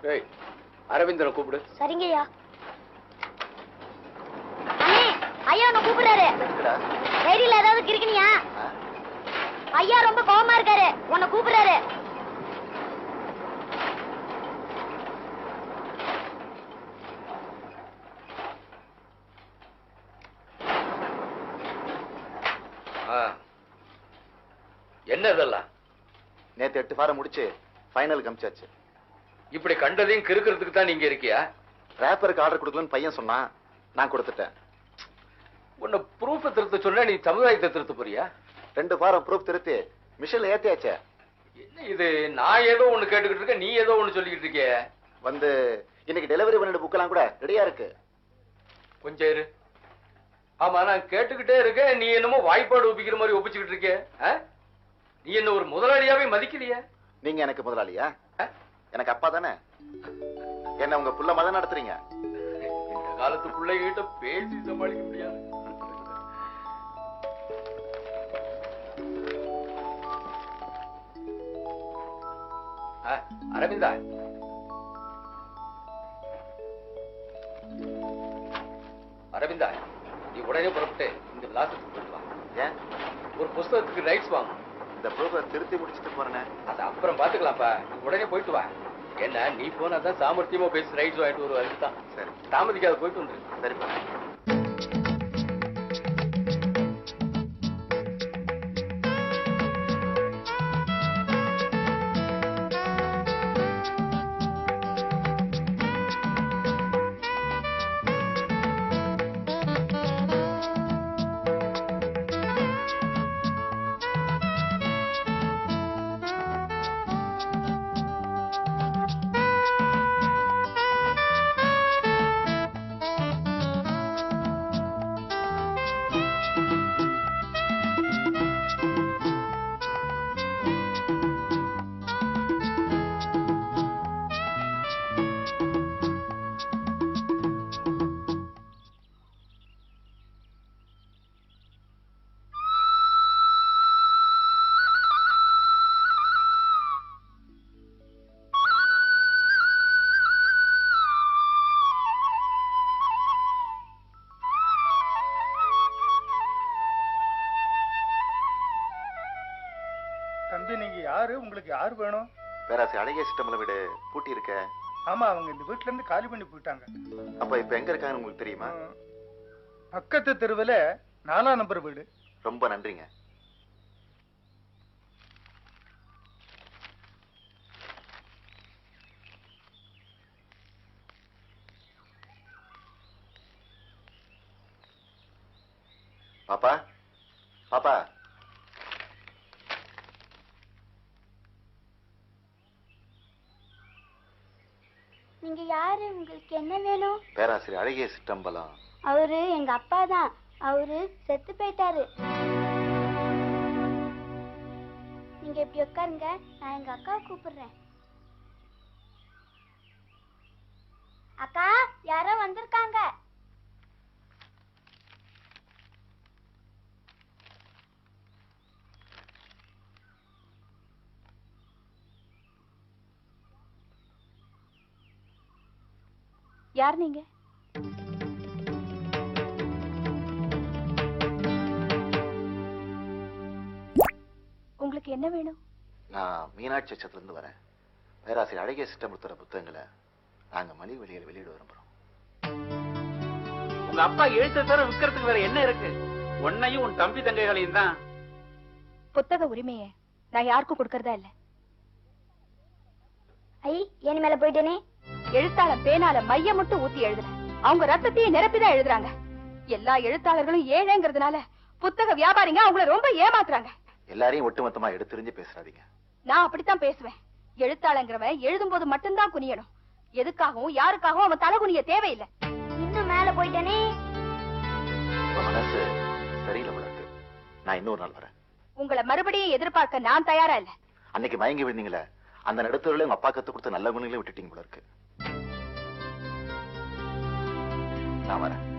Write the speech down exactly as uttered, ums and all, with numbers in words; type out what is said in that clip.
ஏய் அரவிந்தனை கூப்பிடு. சரிங்கய்யா. அண்ணே ஐயா உன்னை கூப்பிடுறாரு. ரேடியோல ஏதாவது கிறுக்கினியா? ஐயா ரொம்ப கோவமா இருக்காரு, உன்னை கூப்பிடுறாரு. என்ன இதெல்லாம்? நேத்து எட்டு ஃபாரம் முடிச்சு ஃபைனல் கமிச்சாச்சு. இப்படி கண்டதையும் கிறுக்கிறதுக்கு தான் நீங்க இருக்கியா? ரேப்பருக்கு ஆர்டர் கொடுக்கலன்னு பையன் சொன்னான், நான் கொடுத்துட்டேன். உன்னை ப்ரூஃப் திருத்த சொன்னா நீ சமுதாயத்தை திருத்த போறியா? ரெண்டு ஃபாரம் ப்ரூஃப் திருத்தி மிஷின்ல ஏத்தியாச்சே. என்ன இது? நான் ஏதோ ஒண்ணு கேட்டுக்கிட்டு இருக்க, நீ ஏதோ ஒண்ணு சொல்லிக்கிட்டு இருக்கிய. வந்து இன்னைக்கு டெலிவரி பண்ணிட்டு புக்கெல்லாம் கூட ரெடியா இருக்கு. கொஞ்சம் இரு. ஆமா நான் கேட்டுக்கிட்டே இருக்கேன், நீ என்னமோ வாய்ப்பாடு ஒப்பிக்கிற மாதிரி ஒப்பிச்சுக்கிட்டு இருக்க. நீ என்ன ஒரு முதலாளியாவே மதிக்கலையா? நீங்க எனக்கு முதலாளியா? எனக்கு அப்பா தானே. என்ன உங்க புள்ள மதம் நடத்துறீங்க? இந்த காலத்து பிள்ளைகிட்ட பேசி சமாளிக்க முடியாது. அரவிந்தா, அரவிந்தா நீ உடனே புறப்பட்டு இந்த விலாசத்துக்கு போயிட்டு வா. ஏன்? ஒரு புஸ்தகத்துக்கு ரைட்ஸ் வாங்க. இந்த ப்ரூஃபை திருத்தி முடிச்சுட்டு போறேன். அது அப்புறம் பாத்துக்கலாம்ப்பா, நீ உடனே போயிட்டு வா. என்ன நீ போனாதான் சாமர்த்தியமா பேசி ரைட்ஸ் வாங்கிட்டு வருவா. அதுதான் சரி, தாமதிக்காத போயிட்டு வந்துரு. சரிப்பா. தம்பி நீங்க யாரு? உங்களுக்கு யாரு வேணும்? பேராசி அழகிய சிஸ்டம்ல வீடு பூட்டி இருக்க. ஆமா, அவங்க இந்த வீட்டுல இருந்து காலி பண்ணி போயிட்டாங்க. அப்ப இப்ப எங்க இருக்காங்கன்னு உங்களுக்கு தெரியுமா? பக்கத்து தெருவுல நாலாம் நம்பர் வீடு. ரொம்ப நன்றிங்க. பாப்பா, பாப்பா. நீங்க யாரு? உங்களுக்கு என்ன வேணும்? பேராசிரியர் அழகிய சிற்றம்பலம். அவரு எங்க அப்பா தான். அவரு செத்து போயிட்டாரு. நீங்க இப்படி உட்காருங்க, நான் எங்க அக்காவை கூப்பிடுறேன். அக்கா, யாரோ வந்திருக்காங்க. யார் நீங்க? உங்களுக்கு என்ன வேணும்? நான் மீனாட்சி சத்திரத்துல இருந்து வரேன். பேராசிரியர் அழகிய சிற்றம்பலத்தோட புத்தகங்களை நாங்க மலிவு விலையில வெளியிட விரும்புறோம். உங்க அப்பா எழுத்து தர விற்கிறதுக்கு வேற என்ன இருக்கு? உன்னையும் உன் தம்பி தங்கைகளையும் தான். புத்தக உரிமையை நான் யாருக்கும் கொடுக்கறதா இல்ல. ஐ, ஏன் மேல போயிட்டேனே. எழுத்தாளர் பேனால மைய மட்டும் ஊத்தி எழுதுற, அவங்க ரத்தத்தையும் நிரப்பிதான் எழுதுறாங்க. எல்லா எழுத்தாளர்களும் ஏழைங்கிறதுனால புத்தக வியாபாரிங்க அவங்கள ரொம்ப ஏமாத்துறாங்க. எல்லாரையும் ஒட்டுமொத்தமா எடுத்துரிஞ்சு பேசுறாதீங்க. நான் அப்படித்தான் பேசுவேன். எழுத்தாளங்கிறவன் எழுதும் போது மட்டும்தான் குனியணும். எதுக்காகவும் யாருக்காகவும் அவன் தலை குனிய தேவையில்லை. இன்னும் மேல போயிட்டேனே. மனசு சரியில்லை உனக்கு. நான் இன்னொரு நாள் வரேன். உங்களை மறுபடியும் எதிர்பார்க்க நான் தயாரா இல்ல. அன்னைக்கு மயங்கி விழுந்தீங்களே, அந்த நடுத்தூர்ல உங்க அப்பா கத்து கொடுத்த நல்ல குணங்களை விட்டுட்டீங்க போல இருக்கு. நான் வரேன்.